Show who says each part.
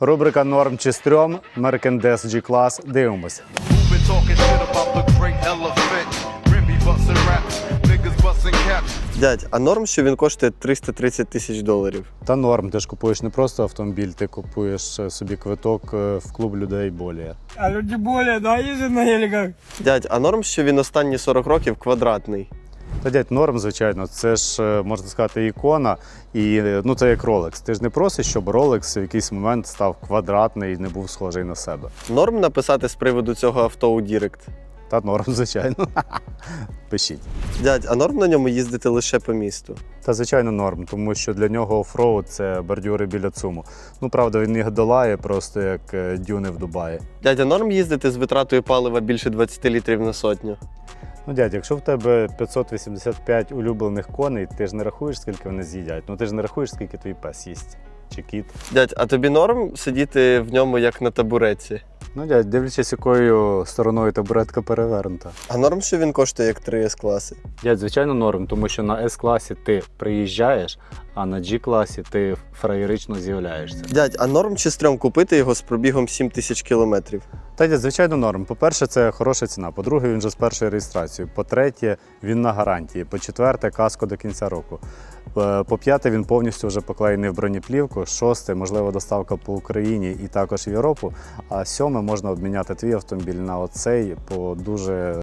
Speaker 1: Рубрика «Норм чи стрьом», Mercedes G-Class. Дивимося.
Speaker 2: Been talking shit about the great elephant. Remy bustin' raps, niggas bustin' caps.
Speaker 3: Дядь, а норм, що він коштує 330 тисяч доларів?
Speaker 1: Та норм, ти ж купуєш не просто автомобіль, ти купуєш собі квиток в клуб людей более.
Speaker 4: А люди более, да, ездят на геликах?
Speaker 3: Дядь, а норм, що він останні 40 років квадратний?
Speaker 1: Та дядь, норм, звичайно, це ж, можна сказати, ікона, і ну це як Rolex. Ти ж не просиш, щоб Rolex в якийсь момент став квадратний і не був схожий на себе.
Speaker 3: Норм написати з приводу цього авто у Дірект?
Speaker 1: Та норм, звичайно. Пишіть.
Speaker 3: Дядь, а норм на ньому їздити лише по місту?
Speaker 1: Та звичайно норм, тому що для нього оффроуд – це бордюри біля ЦУМу. Ну, правда, він їх долає просто як дюни в Дубаї.
Speaker 3: Дядь, а норм їздити з витратою палива більше 20 літрів на сотню?
Speaker 1: Ну, дядь, якщо в тебе 585 улюблених коней, ти ж не рахуєш, скільки вони з'їдять. Ну, ти ж не рахуєш, скільки твій пес їсть. Чи кіт.
Speaker 3: Дядь, а тобі норм сидіти в ньому як на табуретці?
Speaker 1: Ну, дядь, дивлячись, якою стороною табуретка перевернута.
Speaker 3: А норм, що він коштує як 3 С-класи?
Speaker 1: Дядь, звичайно, норм, тому що на С-класі ти приїжджаєш, а на G-класі ти фраєрично з'являєшся.
Speaker 3: Дядь, а норм чи стрьом купити його з пробігом 7 тисяч кілометрів?
Speaker 1: Та, дядь, звичайно, норм. По-перше, це хороша ціна. По-друге, він вже з першої реєстрації. По-третє, він на гарантії. По-четверте, каско до кінця року. По-п'яте, він повністю вже поклеєний в бронеплівку. Шосте, можлива доставка по Україні і також в Європу. А сьоме, можна обміняти твій автомобіль на оцей по дуже